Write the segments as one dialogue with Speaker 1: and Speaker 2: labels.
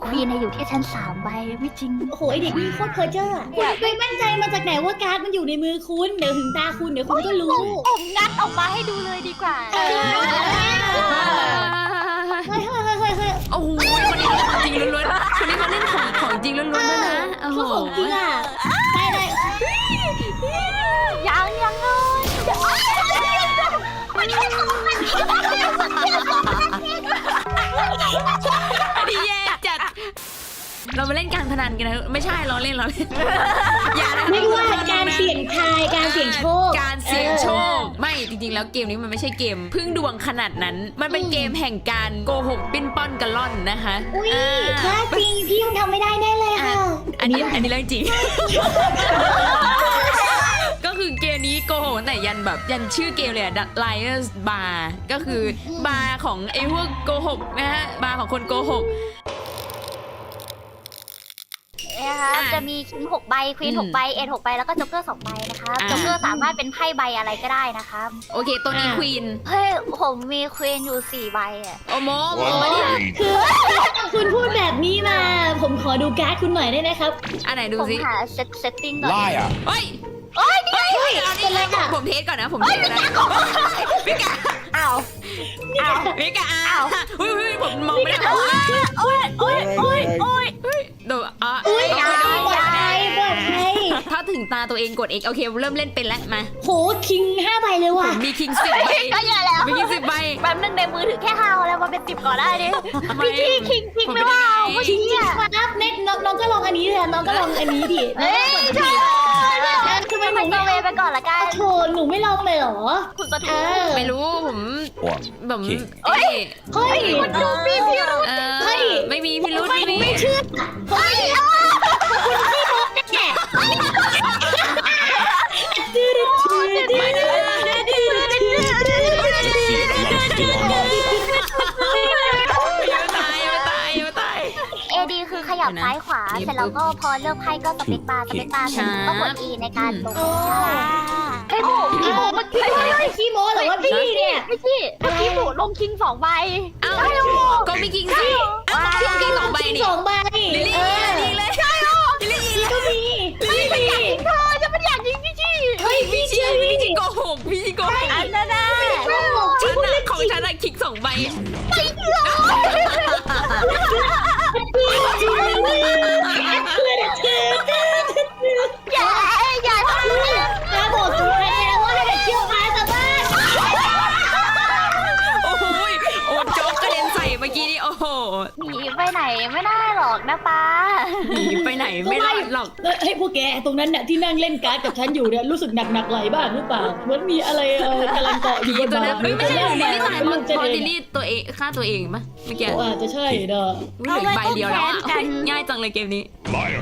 Speaker 1: ควีนอยู่ที่ชั้น3ใบไม่จริง
Speaker 2: โอ้โหไอเด็กนี่โคตรเพอเจอร์อะคุณไปมั่นใจมาจากไหนว่าการ์ดมันอยู่ในมือคุณเดี๋ยวถึงตาคุณเดี๋ยวคุณก็รู้
Speaker 1: ผมงัดออกมาให้ดูเลยดีกว่า
Speaker 2: เฮ้ยเฮ้ยเฮ้ยเฮ้ย
Speaker 3: โอ้โหคนนี้ของจริงล้วนๆคนนี้เขาเล่นของจริงล้วนๆด้วยนะโอ้โห
Speaker 2: เขาของจริงอะได้เลย
Speaker 1: ยังเลย
Speaker 3: อันนี้แย่จัดเรามาเล่นการพนันกันนะไม่ใช่เราเล่นอย่านะ
Speaker 2: ไม่ว่าการเสี่ยงทายการเสี่ยงโชค
Speaker 3: การเสี่ยงโชคไม่จริงๆแล้วเกมนี้มันไม่ใช่เกมพึ่งดวงขนาดนั้นมันเป็นเกมแห่งการโกหกปิ้นป้อนกันล่อนนะคะ
Speaker 2: อุ้ยถ้าจริงพี่ยังทำไม่ได้แน่เลยค่ะ
Speaker 3: อันนี้เรื่องจริง ก็คือเกมนี้โกหกแต่ยันชื่อเกมเลยอะ Liars Bar ก็คือบาร์ของไอ้พวกโกหกนะฮะบาร์ของคนโกหก
Speaker 1: นะคะจะมีคิง6ใบควีน6ใบเอ็ด6ใบแล้วก็จ็อกเกอร์2ใบนะคะจ็อกเกอร์สามารถเป็นไพ่ใบอะไรก็ได้นะครับ
Speaker 3: โอเคตัวนี้ควีน
Speaker 1: เฮ้ยผมมีควีนอยู่4ใบอ่ะ
Speaker 3: โอโม
Speaker 2: คือคุณพูดแบบนี้มา ผมขอดูการ์ดคุณหน่อยได้ไหมครับ
Speaker 3: อันไหนดู
Speaker 1: ผม
Speaker 3: สิ
Speaker 1: หาเซตติ้งก่อน
Speaker 4: Liar.
Speaker 3: เฮ้ย
Speaker 1: โอ้ยนี่
Speaker 3: เอานี่เลยผมเทสก่อนนะผมเทสนะพี่กะ
Speaker 1: อ้าว
Speaker 3: พี่กะอุ้ยผมมองไม่ได้
Speaker 1: โอ้ย
Speaker 3: ดูอ่ะ
Speaker 2: อุ้ยปลอดภัยปลอดภัย
Speaker 3: ถ้าถึงตาตัวเองกด X โอเคเริ่มเล่นเป็นแล้วมา
Speaker 2: โหคิง5ใบเลย
Speaker 3: ผ
Speaker 2: ว่ะ
Speaker 3: มมีคิง10 ใบ
Speaker 1: ก็เยอะแล้ว
Speaker 3: มีคิง10 ใบ
Speaker 1: แป๊บนึงในมือถือแค่5แล้วมาเป็น10ก่อนได้ดิพี่ที่คิงไม่ว่า
Speaker 2: จริงครับเน็ตน้องก็ลองอันนี้เลยน้องก็ลองอันนี้ดิ
Speaker 1: เฮ้ยใช่
Speaker 2: ทำไมห
Speaker 1: ไป
Speaker 2: นู
Speaker 1: เซ
Speaker 2: ไม่
Speaker 1: เวไปก่อนละกัน
Speaker 2: โถหนูไม่ลองเลยเหรอ
Speaker 1: คุณสะทู
Speaker 3: ไม่รู้ผม
Speaker 4: One.
Speaker 3: ผม
Speaker 2: เฮ้ย
Speaker 1: คุณดูพี่พี่รู้
Speaker 3: ไม่มีพี่รุ้ไม่มี
Speaker 2: ไม่เชื่อเฮ้ย
Speaker 1: เอดีคือขยับซ้ายขวาเสร็จแล้วก็พอเลือกไพ่ก็สเปคบาร์เสร็จก็กด E ในการลงไอ้หมูขี้หมูเมื่อกี้
Speaker 2: ขี้โม้หรือว่าพี่เนี่ย
Speaker 1: ไม่ใช่เมื่อกี้หมูลงคิง2ใบ
Speaker 3: เอ้าก็ไม่คิงสิคิง2 ใบนี่
Speaker 2: 2 ใบ
Speaker 3: ลิลลี่ดีเลยใช่หรอลิลลี่
Speaker 2: ก็มี
Speaker 1: เธอจะไม่อยากยิงพี่ชี่
Speaker 2: เฮ้ยพี่เชื่อพี่
Speaker 3: พี่โกหกพี่โกหก
Speaker 1: อันนั้นนะ
Speaker 3: ฉันของฉันอะคิง2 ใบ
Speaker 1: อย่าทำ
Speaker 2: น้าบอกสุดท้ายแล้วว่าให้เชี่ยวชาญสามารถ
Speaker 3: โอ้โหโอ้โจ๊กกระเด็นใส่เมื่อกี้นี่โอ้โห
Speaker 1: หนีไปไหนไม่ได้หรอกนะป้า
Speaker 3: หนีไปไหนไม่รอดหรอก
Speaker 2: เฮ้ยพวกแกตรงนั้นเนี่ยที่นั่งเล่นการ์ดกับฉันอยู่เนี่ยรู้สึกหนักไหลบ้างหรือเปล่าเหมือนมีอะไรกำลังเกาะอยู่บน
Speaker 3: ตัว
Speaker 2: บ่า
Speaker 3: นั้นไม่ใช่ลิลลี่ตายเพ
Speaker 2: มันจะ
Speaker 3: ราะ
Speaker 2: เดิ
Speaker 3: ลิลลี่ตัวเองฆ่าตัวเองปะเมื่อกี้
Speaker 2: อาจจะใช่เด้อ
Speaker 3: เหลือใบเดียวแล้วอ่ะง่ายจังเลยเกมนี้
Speaker 4: Liar.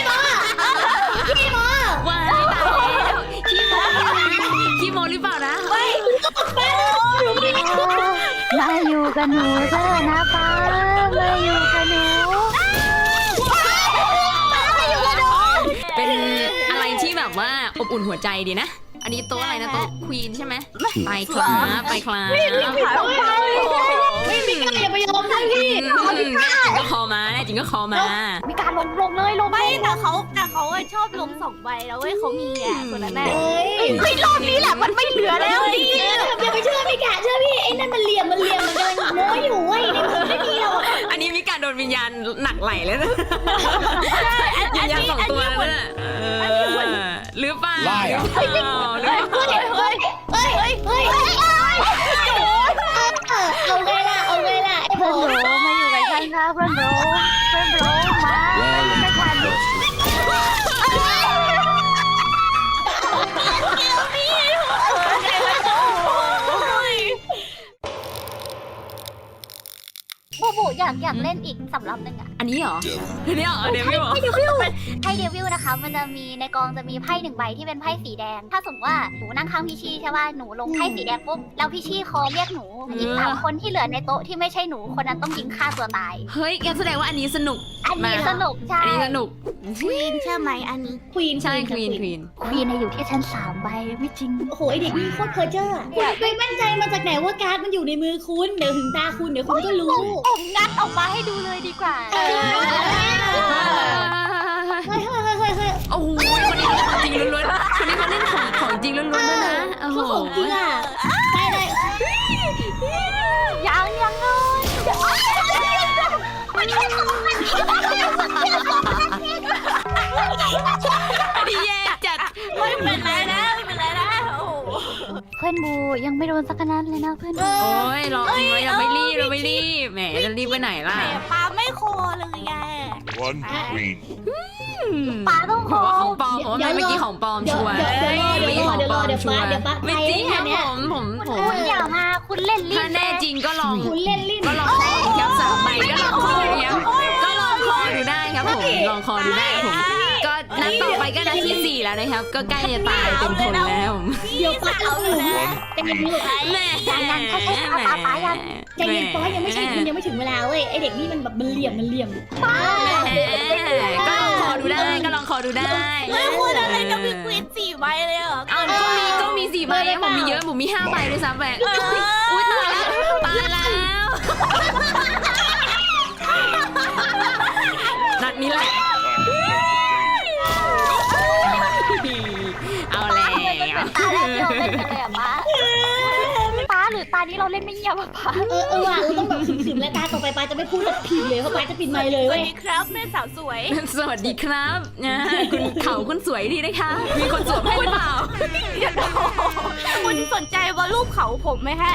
Speaker 3: ว้ายตายแล้วขี้โมหรือเปล่านะ
Speaker 1: มาอยู่กับหนูเถอะนะป้ามาอยู่กับหนู
Speaker 3: เป็นอะไรที่แบบว่าอบอุ่นหัวใจดีนะ อันนี้โต๊ะอะไรนะโต๊ะควีนใช่ไหมไปคลาไปคลา
Speaker 2: ไม่มีใครอย่าไปยอมนะพี่
Speaker 3: จริงก็คอมาแน่จริงก็คอมา
Speaker 1: มีการลงเลยลงไม่แต่เขาชอบลง2ใบแล้วเว้ยเขามีอ่ะคนนั้นแหละ
Speaker 2: เฮ้ย
Speaker 1: เฮ้ยรอบนี้แหละมันไม่เหลือแล้วดิ
Speaker 2: อย่าไปเชื่อพี่กะเชื่อพี่ไอ้นั่นมันเหลี่ยมมันกำลังโม้อยู่เว้ยในมือไม่มีหรอก
Speaker 3: อันนี้มีการโดนวิญญาณหนักไหลแล้วนะวิญญาณ2 ตัวแล้วนะหรือเปล่า
Speaker 4: Liar.
Speaker 2: เฮ้ยเอาไงล่ะไอ้ผ
Speaker 1: เพื่อน
Speaker 2: ม
Speaker 1: โรมาอยู่กับฉันนะเพื่อนโรมาไม่ทัน บูอยากเล่นอีกสำหรับหนึ่งอ่ะ
Speaker 3: อันนี้เหรออันนี้เหรอเดวิลเหรอ
Speaker 1: ไพ่เดวิลนะคะมันจะมีในกองจะมีไพ่1ใบที่เป็นไพ่สีแดง ถ้าสมมติว่าหนูนั่งข้างพี่ชี่ใช่ป่ะหนูลงไพ่สีแดงปุ๊บแล้วพี่ชี่คอเรียกหนูอีก3คนที่เหลือในโต๊ะที่ไม่ใช่หนูคนนั้นต้องยิงฆ่าตัวตาย
Speaker 3: เฮ้ยงั้นแสดงว่าอันนี้สนุก
Speaker 1: อันนี้สนุกใช่
Speaker 3: อันนี้สนุก
Speaker 1: ควีนใช่ไหมอันนี้
Speaker 2: ควีน
Speaker 3: ใช่ควีน
Speaker 1: ควีนอยู่ที่ชั้น3ใบไม่จริง
Speaker 2: โอ้โหไอเด็กนี่โคตรเพอเจอร์อะคุณไปมั่นใจมาจากไหนว่าการ์ดมันอยู่ในมือคุณเดี๋ยวถึงตาคุณเดี๋ยวคุณก็รู้
Speaker 1: ผมงัดออกมาให้ดูเลยดีกว่า
Speaker 3: จริงล้วนๆด้วยนะโอ้โห
Speaker 2: ของจริงอ่ะไปเลย
Speaker 1: ยังเลย
Speaker 3: อันนี้แย่จัด
Speaker 4: ไม่เป็นไรนะไม่เป็นไรนะโอ้โห
Speaker 1: เพื่อนบูยังไม่โดนสักนัดเลยนะเพื่อนบู
Speaker 3: โอ้ยรอเราไม่รีบเราไม่รีบแหมจะรีบไปไหนล่ะ
Speaker 4: แหมปลาไม่โคเลยไง
Speaker 5: One queen.
Speaker 1: ป้าต้องข
Speaker 3: ผม
Speaker 1: อ
Speaker 3: ว่าของปลอมผมว่าเมื่อกี้ของปลอม
Speaker 2: เดี๋ยว
Speaker 3: ชัวร์
Speaker 2: เดี๋ยวรอเดี๋ยวป้า
Speaker 3: ไม่จริงครับผม
Speaker 1: คุณอย่ามาคุณเล่นลิ้น
Speaker 3: ถ้าแน่จริงก็ลอง
Speaker 2: คุณเล่นลิ้น
Speaker 3: ก็ลองครับสามใบก็ลองคอดูครับก็ลองคอดูได้ครับผมลองคอดูได้ผมก็นัดต่อไปก็นัดที่ 4 แล้วนะครับ ก็ใกล้จะตายเต็มทนแล้ว
Speaker 2: เดี๋ยวป้าเอาหนูเป็นอย่างนี้
Speaker 3: แหม่
Speaker 2: ใจเย็นป้ายังไม่ใช่คุณยังไม่ถึงเวลาเว้ยไอเด็กนี่มันแบบมันเหลี่ยมป้า
Speaker 3: ก็ลองคอดูได้ก็ลองคอดูได้
Speaker 4: ไม่พูดอะไรกับพี่ควีน4 ใบเลยเหรอ
Speaker 3: เอาก็มี4 ใบผมมีเยอะผมมี5 ใบด้วยซ้ำไปอุ้ยตายแล้วนัดนี้แหละเอาแล้ว
Speaker 1: ตาแรกที่เราเล่นกันเลยอะป้าหรือตานี้เราเล่นไม่เงียบอะป้า
Speaker 2: ว่ะเราต้องแบบขึมๆแล้วตาต่อไปป้าจะไม่พูดแบบผิดเลยเพราะป้าจะปิดไมค์เลย
Speaker 4: สวั
Speaker 2: เว้
Speaker 4: ส
Speaker 2: ย
Speaker 4: ดีครับแม่สาวสวย
Speaker 3: สวัสดีครับนะคุณเขาคุณสวยดีนะคะ มีคนสวมให้หรือเปล่า
Speaker 4: คุณสนใจว่ารูปเขาผมไหมฮะ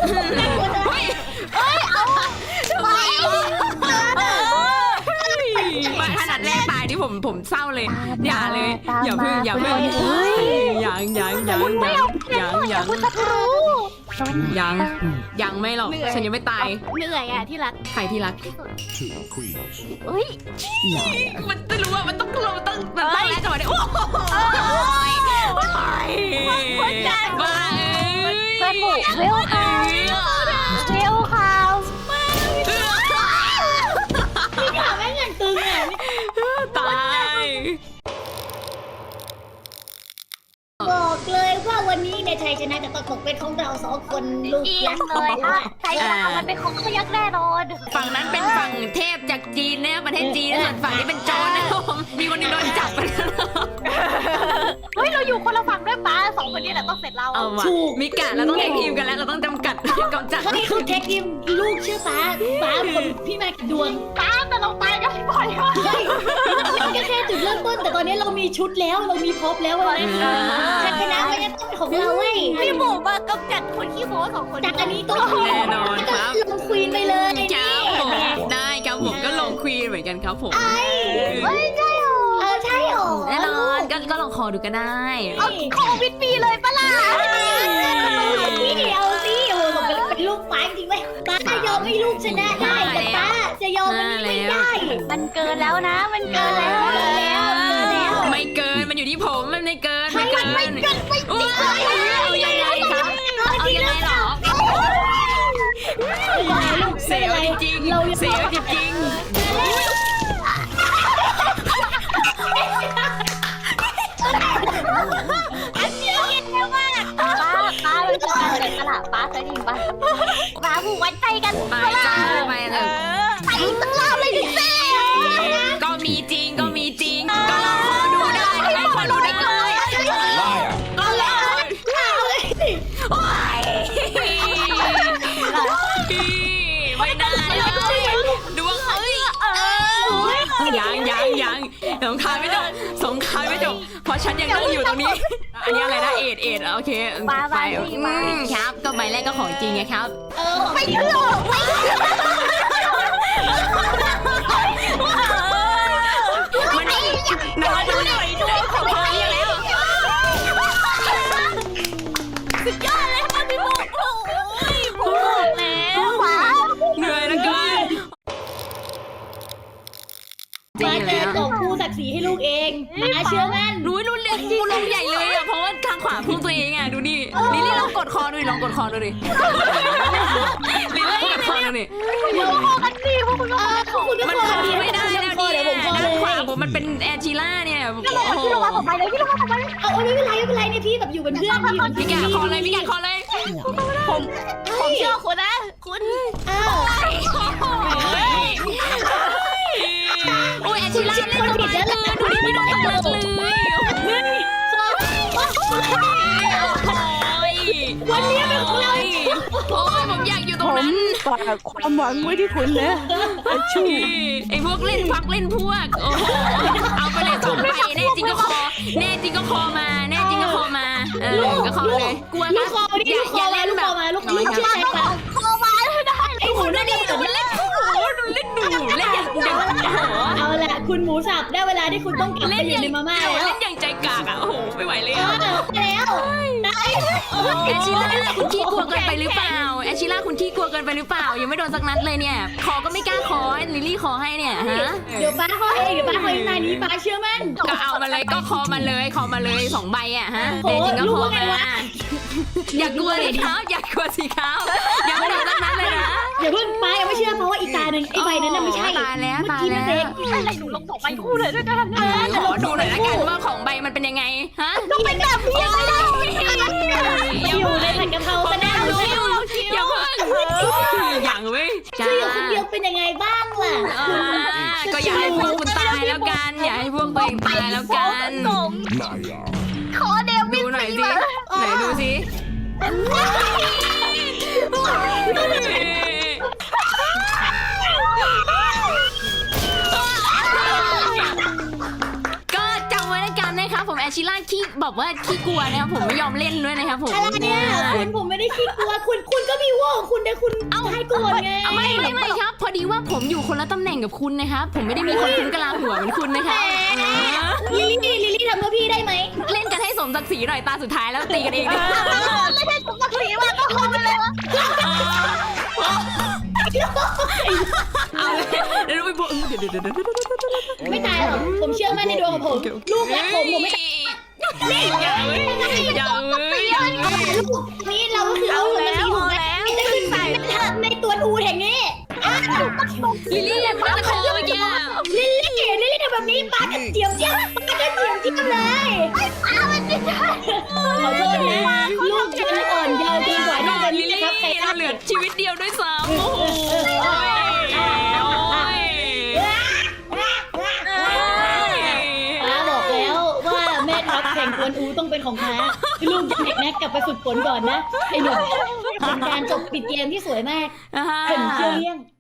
Speaker 3: มาขนาดแรกตายที่ผมเศร้าเลย อย่าเลยอย่าเพิ่งยังไม่หรอกฉันยังไม่ตาย
Speaker 4: เหนื่อยอ่ะที่รัก
Speaker 3: ใครที่รัก
Speaker 5: Two queens.
Speaker 1: เฮ้ย
Speaker 3: มันไม่รู้ว่ามันต้องแรกก่อนเลยโอ้ยบ้า
Speaker 1: เพื่อนบูเวลคาว
Speaker 2: นี่ขาแม่งเงินตึงอ่ะ
Speaker 3: ตาย
Speaker 2: บอกเลยว่าวันนี้ในชัยชนะจะต้องตกเป็นของเรา2 คนลูก
Speaker 1: อี
Speaker 2: ยั
Speaker 1: ก
Speaker 2: กษ์
Speaker 1: เลยค่ะใช่ค่ะมันเป็นของขยักแน่นอน
Speaker 3: ฝั่งนั้นเป็นฝั่งเทพจากจีนนะประเทศจีนส่วนฝั่งนี้เป็นโจรนะครับผมมีคนหนึงโดนจับไปแล้ว
Speaker 1: เฮ้ยเราอยู่คนละฝั่งด้วยป้า2 คนนี้แหละต้องเสร็จเรา
Speaker 3: เอาว่ะมิกะเราต้องแท็กทีมกันแล้วเราต้องจำกัดกำจัด
Speaker 2: นี่คือเทคนิคลูกชื่อป้าคนพี่มาดวง
Speaker 1: ป้าแต่เราตายกันบ่อยมาก
Speaker 2: มันก็แค่จุดเริ่มต้นแต่ตอนนี้เรามีชุดแล้วเรามีพร็อพแล้วเว้ยชัยชนะมันจะต้องเป็นของเราเว้ย
Speaker 4: พี่หมูมากำจัดคนขี้โม้2 คน
Speaker 2: จากอันนี้ต้อง
Speaker 3: แน่นอนครับ
Speaker 2: ลงควีนไปเลย
Speaker 3: ครับผมได้ครับผมก็ลงควีนเหมือนกันครับผม
Speaker 1: เฮ้ยใช่หรอ
Speaker 2: ใช่หรอ
Speaker 3: แน่นอนก็ลองคอดูก็ได้
Speaker 1: โควิดปีเลยปะล่ะ
Speaker 2: เอาสิโอ้โหเป็นลูกป้าจริงไหมป้าจะยอมให้ลูกชนะได้แต่ป้าจะยอมมันไม่ได้
Speaker 1: มันเกินแล้วนะ มันเกินแล้ว
Speaker 3: ไม่เกินมันอยู่ที่ผมมันไม่เกินเอายังไงครับเอายังไงหรอเสียวจริงๆเสียวจริง
Speaker 1: ป้าเป็นการเกิดตลาดป้าเคยได้ยินปะป้าผูกไว้ใจกัน
Speaker 3: ไปจ้าไปเถอะ
Speaker 1: ไปตลาดเลยดิเซ่
Speaker 3: ก็มีจริงก็ลองคอดูได้คอดูได้เลย
Speaker 5: Liar.
Speaker 3: ก็เลยโอ้ยไม่น่าเลยดวงเอ้ยยังสงครามไม่จบเพราะฉันยังนั่งอยู่ตรงนี้อันนี้อะไรนะเอ็ดโอเคไปครับก็ใบแรกก็ของจริงไงครับ
Speaker 1: ไม่เชื่อไม่
Speaker 3: มันน้อยดูหน่อยด้วยของเขาเรียกแล้ว
Speaker 4: สุดยอดเลยค่ะพี่หมูโอ้ยพูดแล้ว
Speaker 1: ป้า
Speaker 3: เหนื่อยแล้วก็จริ
Speaker 2: ป้าง จะ
Speaker 3: แล้ว
Speaker 2: ส่งครูศักดิ์ศรีให้ลูกเองป้าเชื่อมั่น
Speaker 3: รู้เรื่องกูลงใหญ่เลยอ่ะเพราะว่าทางขวาพุ่งตัวเองอ่ะดูดิลิลลี่ลองกดคอดูดิลิลลี่กดคอดูดิ
Speaker 1: เราพอกันสิพวกคุณก็
Speaker 2: คุณก็
Speaker 3: มัน
Speaker 2: คอ
Speaker 3: คอ
Speaker 2: ดี
Speaker 3: ไม่ได้แล้ว
Speaker 2: เดี๋
Speaker 3: เนี่ย
Speaker 2: ยวผมคอ
Speaker 3: ด้าน
Speaker 2: เลย
Speaker 3: ขวาผมมันเป็นแอร์ชิล่าเนี่ยโอ้โห
Speaker 1: พี่ลงมาผมไปเลยพี่ลงมาผมไปเลย
Speaker 2: เอาไม่เป็นไรเนี่ยพี่แบบอยู่เป็นเพื่อนพี่
Speaker 3: พี่แกคอเลย
Speaker 4: ผมเชื่อคุณนะคุณ
Speaker 3: โอ้ยแอร์ชิล่าเล่นตัวร้ายเกินดูดิไม่โดนตำรวจเลย
Speaker 2: วันนี้เป็นของเรา
Speaker 3: โอ้ยผมอยากอยู่ตร
Speaker 6: ผ
Speaker 3: ง
Speaker 6: ม
Speaker 3: นั้น
Speaker 6: ฝากความหวังไว้ที่คุณนะไอ้ชู
Speaker 3: ไอ้พวกเล่นพักเล่นพวกโอ้โหเอาไปเลย2ใบแน่จริงก็คอแน่จริงก็คอมาแน่จริงก็คอมาก็คอเลยกลัว
Speaker 2: ลู
Speaker 3: นะ
Speaker 2: กคอนี่ลูกคอมาลูกคอมาลูกชื่ออะไรคะ
Speaker 1: คอมาได้
Speaker 2: ไอ้หมูนั่นนี่
Speaker 3: มันเล่นโอ้โหเล่นหนูเล่นอย่างเด็ก
Speaker 2: เอาละคุณหมูสับได้เวลาที่คุณต้องกลับไปอยู่ในมาม่าแล้ว
Speaker 3: เล่นอย่างใจกากอ่ะโอ้โหไม่ไหวเลย
Speaker 2: แล้วได้
Speaker 3: แอชิล่าคุณขี้กลัวเกินไปหรือเปล่าแอชิล่าคุณขี้กลัวเกินไปหรือเปล่ายังไม่โดนสักนัดเลยเนี่ยคอก็ไม่กล้าคอลิลลี่คอให้เนี่ยฮะ
Speaker 2: เดี๋ยวป้าเขาเองเดี๋ยวป้าเขาเองนายนี้ป้าเชื่อมั่น
Speaker 3: ก็เอามาเลยก็คอมาเลย2ใบอ่ะฮะ
Speaker 2: โอ้
Speaker 3: แน่จริงก็
Speaker 2: รู้
Speaker 3: คอ
Speaker 2: ว่าไง
Speaker 3: มาว
Speaker 2: ะ
Speaker 3: อย่ากลัวสีขาวอย่ากลัวสีขาวอย่าไม่โดนสักนัดเลยนะ
Speaker 2: อย่าเพิ่งป้ายังไม่เชื่อเพราะว่าอีตาหนึ่งไอ้ใบนั้นน่ะไม่ใช่
Speaker 3: ตายแล้ว
Speaker 2: เมื่อ
Speaker 3: ตาย
Speaker 2: กี้
Speaker 3: แล้
Speaker 2: นั่นเอง
Speaker 3: ว
Speaker 1: อะไรหนูลง2ใบคู่เลยด้วยกัน
Speaker 3: ขอดูหน่อยละกันว่าของใบมันเป็นยังไงฮะ
Speaker 1: ต้องเป็นแบบนี้เลย
Speaker 2: อยู่ในผัดกะเพราซะแน่เลย
Speaker 3: อย่าเพิ่งอย่างเว้ยจ้า
Speaker 2: ชื่ออยู่คนเดียวเป็นยังไงบ้างล่ะ
Speaker 3: ก็อย่าให้พวกคุณตายแล้วกันอย่าให้พวกตัวเองตายแล้วกัน
Speaker 5: Naya.
Speaker 1: ขอเดวิ
Speaker 3: ดู
Speaker 1: ด
Speaker 3: หน่อย
Speaker 1: สี
Speaker 3: สิ
Speaker 1: มา
Speaker 3: ไหนดูสิก็จำไว้แล้วกันนะครับผมแอชิล่าขี้บอกว่าขี้กลัวนะครับผมไม่ยอมเล่นด้วยนะครับผม
Speaker 2: อะไรเนี่ยคุณผมไม่ได้ขี้กลัวคุณก็มีว่าของคุณแต่คุณให้โกรธไง
Speaker 3: ไม่ครับ พอดีว่าผมอยู่คนละตำแหน่งกับคุณนะครับผมไม่ได้มีคนคุ้มกะลาหัวเหมือนคุณนะครับ
Speaker 2: ลิลลี่ทำเพื่อพี่ได้ไหม
Speaker 3: เล่นกันให้สมศักดิ์ศรีหน่อยตาสุดท้ายแล้วตีกันเองดิ
Speaker 1: ไม่ใช่ผมกับสีมาต้องคอไปเลยวะ
Speaker 3: เอาเลยเดี๋ยวไปบอกเดี๋ยว
Speaker 2: ไม่ตายหรอกผมเชื่อมั่นในดวงของผมลูกรักผมไม่ตาย
Speaker 3: อย่าเว้ยอย่าเว้ย
Speaker 2: ลูกนี่เราก็คือเอาแล้วจะขึ้นศาลในตัวอูแห่งนี้
Speaker 3: ลิลลี่ยังมาคอเมื่อกี้
Speaker 2: ลิลลี่ทำแบบนี้ป้าจะเจียมเลยขอโทษนะลูกฉันอ่อนเยาว์เกินกว่าที่จะ
Speaker 3: ลิลลี่
Speaker 2: นะครับใคร
Speaker 3: เราเหลือชีวิตเดียวด้วยซ้ำโอ้โห
Speaker 2: ป้าบอกแล้วว่าแม่ทัพแข่งกวนอูต้องเป็นของป้าลูกจะแม็กกลับไปฝึกฝนก่อนนะไอ้หนุ่มเป็นการจบปิดเกมที่สวยมาก
Speaker 3: อ่าฮะ
Speaker 2: เห็นเกลี้ยง